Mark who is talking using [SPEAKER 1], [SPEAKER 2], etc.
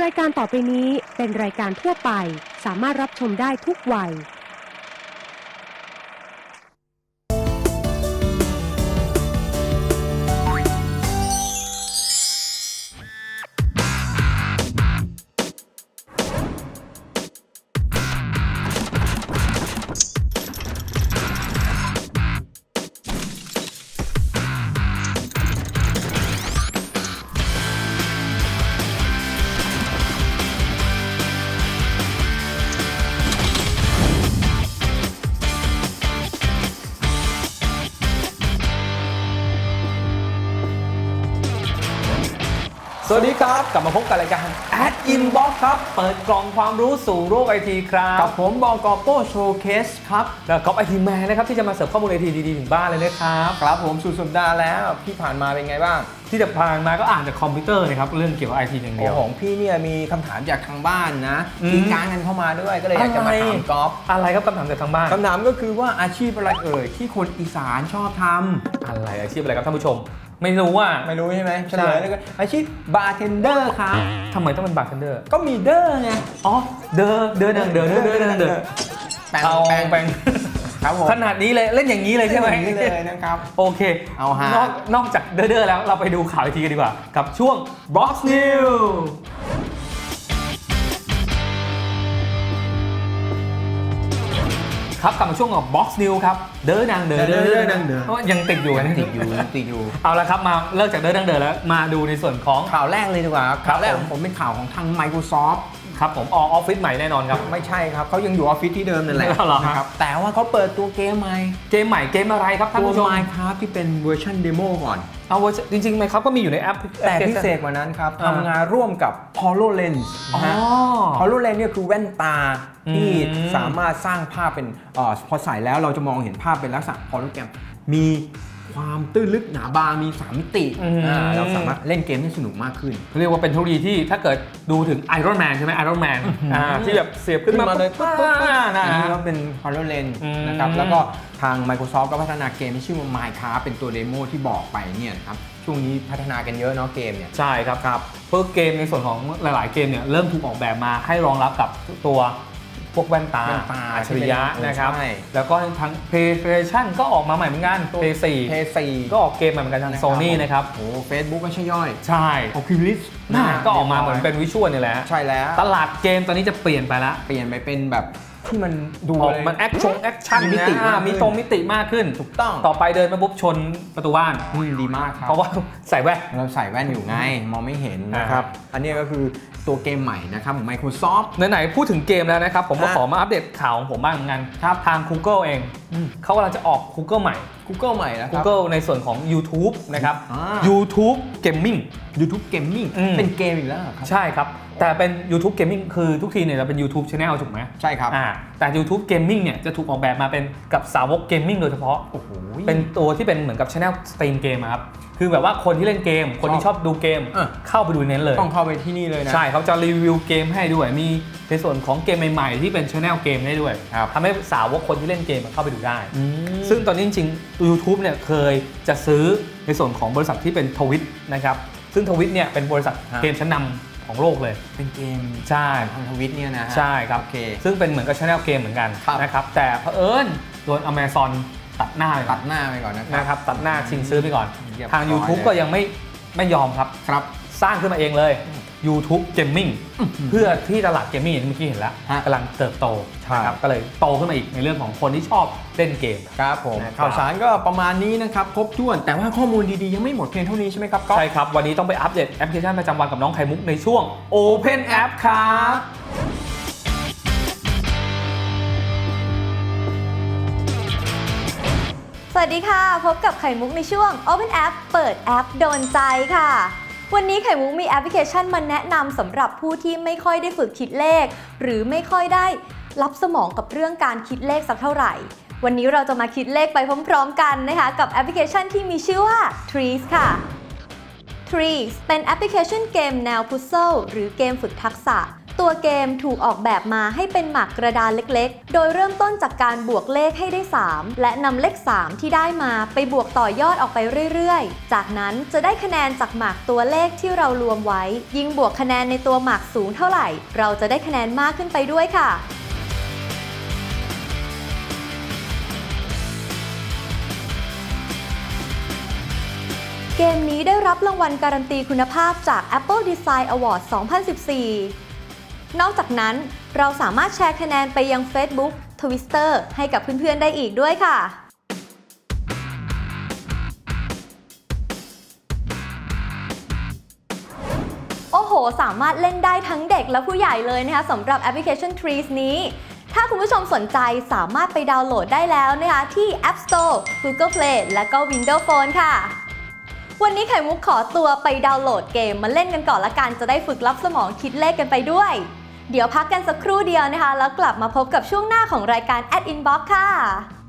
[SPEAKER 1] รายการต่อไปนี้เป็นรายการทั่วไปสามารถรับชมได้ทุกวัย
[SPEAKER 2] สวัสดีครับกลับมาพบกับรายการ Ad Inbox ครับเปิดกล่องความรู้สู่โลกไอทีครับ
[SPEAKER 3] กับผมบก.โป้โชว์เคสครับ
[SPEAKER 2] แล้วก๊อฟไอทีแมนนะครับที่จะมาเสิร์ฟข้อมูลไอทีดีๆถึงบ้านเลยนะครับ
[SPEAKER 3] ครับผมสุดสัปดาห์แล้วพี่ผ่านมาเป็นไงบ้าง
[SPEAKER 2] ที่จะผ่านมาก็อ่านจากคอมพิวเตอร์นะครับเรื่องเกี่ยวกับไอทีอย่างเดียว
[SPEAKER 3] ของพี่เนี่ยมีคำถามจากทางบ้านนะทิ้งการกันเข้ามาด้วยก็เลยอยากจะมาถามก๊อฟ
[SPEAKER 2] อะไรครับคำถามจากทางบ้าน
[SPEAKER 3] คำถามก็คือว่าอาชีพอะไรที่คนอีสานชอบทำ
[SPEAKER 2] อะไรอาชีพอะไรครับท่านผู้ชมไม่รู้
[SPEAKER 3] ใช่ไหมเฉลยเลยก็อาชีพบาร์เทนเดอร์ครับ
[SPEAKER 2] ทำไมต้องเป็นบาร์เทนเดอร์
[SPEAKER 3] ก็มีเดอร์ไง
[SPEAKER 2] อ๋อเดอแปง
[SPEAKER 3] ครับผม
[SPEAKER 2] ขนาดนี้เลยเล่นอย่างนี้เลยใช่ไหม
[SPEAKER 3] อย่างนี้เลยนะครับ
[SPEAKER 2] โอเค
[SPEAKER 3] เอาฮะ
[SPEAKER 2] นอกจากเดอแล้วเราไปดูข่าวไอทีกันดีกว่ากับช่วง Box Newsครับกลับมาช่วงของ Box News ครับเด้อดังยังติดอยู่เอาละครับมาเลิกจากเด้อดังแล้วมาดูในส่วนของ
[SPEAKER 3] ข่าวแรกเลยดีกว่าข่าวแรกของผมเป็นข่าวของทาง Microsoft
[SPEAKER 2] ครับผมออฟฟิศใหม่แน่นอนครับ
[SPEAKER 3] ไม่ใช่ครับเขายังอยู่ออฟฟิศที่เดิมนั่นแหละ
[SPEAKER 2] นะครับ
[SPEAKER 3] แต่ว่าเขาเปิดตัวเกมใหม่
[SPEAKER 2] เกมอะไรครับท่านผู้ชม
[SPEAKER 3] Minecraft ที่เป็นเวอร์ชันเดโมก่อน
[SPEAKER 2] เอาจริงๆ Minecraft ก็มีอยู่ในแอป
[SPEAKER 3] แต่พิเศษกว่านั้นครับทำงานร่วมกับ HoloLens HoloLens เนี่ยคือแว่นตาที่สามารถสร้างภาพเป็นพอใส่แล้วเราจะมองเห็นภาพเป็นลักษณะโฮโลแกรมมีความตื้นลึกหนาบางมี3มิติเราสามารถเล่นเกมให้สนุกมากขึ้น
[SPEAKER 2] เรียกว่าเป็นเทคโนโลยีที่ถ้าเกิดดูถึง Iron Man ใช่ไหม Iron Man ที่แบบเสียบขึ้นมา
[SPEAKER 3] เลยปุ๊บอันนี้ก็เป็น HoloLens นะครับแล้วก็ทาง Microsoft ก็พัฒนาเกมที่ชื่อว่า Minecraft เป็นตัวเดโมที่บอกไปเนี่ยนะครับช่วงนี้พัฒนากันเยอะเนาะเกมเนี่ย
[SPEAKER 2] ใช่ครับเพื่อเกมในส่วนของหลายๆเกมเนี่ยเริ่มถูกออกแบบมาให้รองรับกับตัวพวกแว่นตาอัจฉริยะนะครับแล้วก็ทั้ง PlayStation ก็ออกมาใหม่เหมือนกัน
[SPEAKER 3] PS4
[SPEAKER 2] ก็ออกเกมใหม่เหมือนกันทาง Sony นะครับ
[SPEAKER 3] โอ้ Facebook ก็ใช่ย่อย
[SPEAKER 2] ใช่
[SPEAKER 3] Oculus
[SPEAKER 2] ก็ออกมาเหมือนเป็นวิชวลนี่แหละ
[SPEAKER 3] ใช่แล้ว
[SPEAKER 2] ตลาดเกมตอนนี้จะเปลี่ยนไปละ
[SPEAKER 3] เปลี่ยนไปเป็นแบบที่มันดู
[SPEAKER 2] มันแอคชั่นมิติมากขึ้น
[SPEAKER 3] ถูกต้อง
[SPEAKER 2] ต่อไปเดินมาปุ๊บชนประตูบ้าน
[SPEAKER 3] ดีมากครับ
[SPEAKER 2] เพราะว่าใส่แว่น
[SPEAKER 3] เราใส่แว่นอยู่ไงมองไม่เห็นนะครับอันนี้ก็คือตัวเกมใหม่นะครับของ Microsoft
[SPEAKER 2] ไหนๆพูดถึงเกมแล้วนะครับผมก็ขอมาอัปเดตข่าวของผมบ้างเหมือนกันครับทาง Google เองเขากำลังจะออก Google ใหม่
[SPEAKER 3] นะครับ
[SPEAKER 2] Google ในส่วนของ YouTube นะครับ YouTube Gaming
[SPEAKER 3] เป็นเกมอีกแล้วครับ
[SPEAKER 2] ใช่ครับแต่เป็น YouTube Gaming คือทุกทีเนี่ยเราเป็น YouTube Channel ถูกไหม
[SPEAKER 3] ใช่ครับ
[SPEAKER 2] แต่ YouTube Gaming เนี่ยจะถูกออกแบบมาเป็นกับสาวก Gaming โดยเฉพาะโอ้โหเป็นตัวที่เป็นเหมือนกับ Channel Stream เกมครับคือแบบว่าคนที่เล่นเกมคนที่ชอบดูเกมเข้าไปดูเน้นเลย
[SPEAKER 3] ต้องเข้าไปที่นี่เลยนะ
[SPEAKER 2] ใช่เขาจะรีวิวเกมให้ด้วยมีในส่วนของเกมใหม่ๆที่เป็น Channel เกมให้ด้วยทำให้สาวกคนที่เล่นเกมเข้าไปดูได้ซึ่งตอนนี้จริงๆ YouTube เนี่ยเคยจะซื้อในส่วนของบริษัทที่เป็นทวิตนะครับซึ่งทวิตเนี่ยเป็นบริษัทเกมชั้นนำของโลกเลย
[SPEAKER 3] เป็นเกม
[SPEAKER 2] ใช่
[SPEAKER 3] ทางทวิตเนี่ยนะ
[SPEAKER 2] ใช่ครับซึ่งเป็นเหมือนกับ Channel เกมเหมือนกันนะครับแต่เผอิญโดน Amazon ตัดหน้าไป
[SPEAKER 3] ก่อน
[SPEAKER 2] นะครับตัดหน้าชิงซื้อไปก่อนทาง YouTube ก็ยังไม่ยอมครับสร้างขึ้นมาเองเลย YouTube Gaming เพื่อที่ตลาดเกมมิ่งอย่างที่เมื่อกี้เห็นแล้วกำลังเติบโตนะครับก็เลยโตขึ้นมาอีกในเรื่องของคนที่ชอบเล่นเกม
[SPEAKER 3] ครับผมข่าวสารก็ประมาณนี้นะครับครบถ้วนแต่ว่าข้อมูลดีๆยังไม่หมดเพียงเท่านี้ใช่ไหมครับ
[SPEAKER 2] ใช่ครับวันนี้ต้องไปอัปเดตแอปพลิเคชันประจำวันกับน้องไข่มุกในช่วง Open App ครับ
[SPEAKER 4] สวัสดีค่ะพบกับไข่มุกในช่วง Open App เปิดแอปโดนใจค่ะวันนี้ไข่มุกมีแอปพลิเคชันมาแนะนำสำหรับผู้ที่ไม่ค่อยได้ฝึกคิดเลขหรือไม่ค่อยได้รับสมองกับเรื่องการคิดเลขสักเท่าไหร่วันนี้เราจะมาคิดเลขไปพร้อมๆกันนะคะกับแอปพลิเคชันที่มีชื่อว่า Trees ค่ะ Trees เป็นแอปพลิเคชันเกมแนวพุซเซิลหรือเกมฝึกทักษะตัวเกมถูกออกแบบมาให้เป็นหมากกระดานเล็กๆ โดยเริ่มต้นจากการบวกเลขให้ได้ 3 และนำเลข 3 ที่ได้มาไปบวกต่อยอดออกไปเรื่อยๆ จากนั้นจะได้คะแนนจากหมากตัวเลขที่เรารวมไว้ ยิ่งบวกคะแนนในตัวหมากสูงเท่าไหร่ เราจะได้คะแนนมากขึ้นไปด้วยค่ะ เกมนี้ได้รับรางวัลการันตีคุณภาพจาก Apple Design Award 2014 นอกจากนั้นเราสามารถแชร์คะแนนไปยัง Facebook Twitter ให้กับเพื่อนๆได้อีกด้วยค่ะ โอ้โห สามารถเล่นได้ทั้งเด็กและผู้ใหญ่เลยนะคะสำหรับแอปพลิเคชัน Trees นี้ ถ้าคุณผู้ชมสนใจสามารถไปดาวน์โหลดได้แล้วนะคะที่ App Store, Google Play และก็ Windows Phone ค่ะ วันนี้ไข่มุกขอตัวไปดาวน์โหลดเกมมาเล่นกันก่อนละกันจะได้ฝึกลับสมองคิดเลขกันไปด้วย เดี๋ยวพักกันสักครู่เดียวนะคะแล้วกลับมาพบกับช่วงหน้าของรายการ Inbox ค่ะ